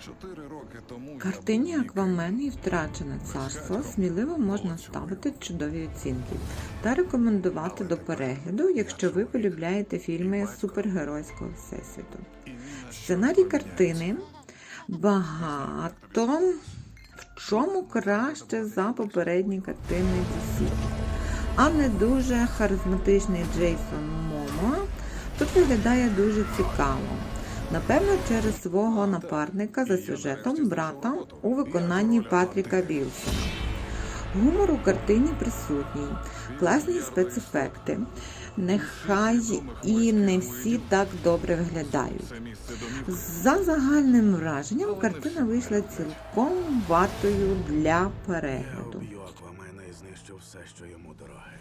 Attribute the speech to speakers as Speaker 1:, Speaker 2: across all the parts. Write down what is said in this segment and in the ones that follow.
Speaker 1: 4 роки тому
Speaker 2: Картині
Speaker 1: я був
Speaker 2: «Аквамен» і «Втрачене царство» сміливо можна ставити чудові оцінки та рекомендувати до перегляду, якщо ви полюбляєте фільми з супергеройського всесвіту. Сценарій картини багато в чому краще за попередні картини DC. А не дуже харизматичний Джейсон Момоа тут виглядає дуже цікаво. Напевно, через свого напарника за сюжетом брата у виконанні Патріка Вілсона. Гумор у картині присутній, класні спецефекти. Нехай і не всі так добре виглядають. За загальним враженням, картина вийшла цілком вартою для
Speaker 3: Я
Speaker 2: перегляду.
Speaker 3: вб'ю Аквамена і знищу все, що йому дороге.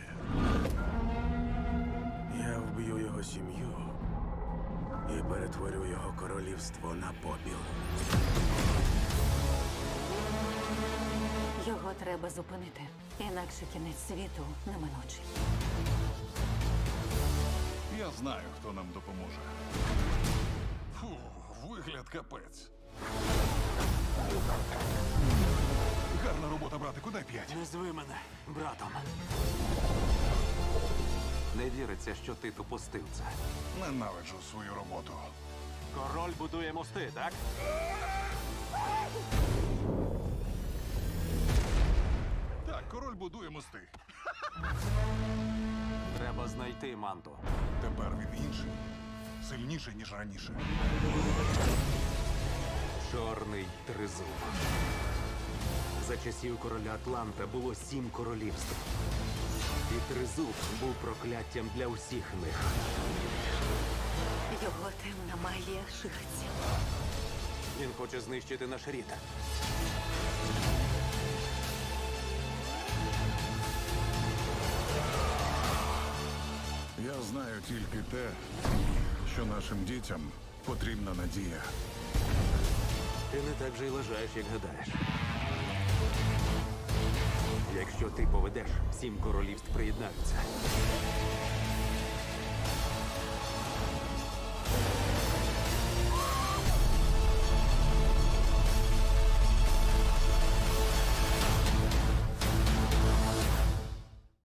Speaker 3: Я вб'ю його сім'ю і перетворю його королівство на попіл.
Speaker 4: Його треба зупинити, інакше кінець світу неминучий.
Speaker 1: Я знаю, хто нам допоможе. Фу, вигляд капець. Гарна робота, братику, дай 5.
Speaker 3: Назви мене братом.
Speaker 5: Не віриться, що ти допустив це.
Speaker 1: Ненавиджу свою роботу.
Speaker 5: Король будує мости, так?
Speaker 1: Так, король будує мости.
Speaker 5: Треба знайти манту.
Speaker 1: Тепер він інший. Сильніший, ніж раніше.
Speaker 5: Чорний тризуб. За часів короля Атланта було 7 королівств. І тризуб був прокляттям для усіх них.
Speaker 4: Його темна магія шириться.
Speaker 5: Він хоче знищити наш рід.
Speaker 1: Я знаю тільки те, що нашим дітям потрібна надія.
Speaker 5: Ти не так же й лежаєш, як гадаєш. Якщо ти поведеш, 7 королівств приєднаються.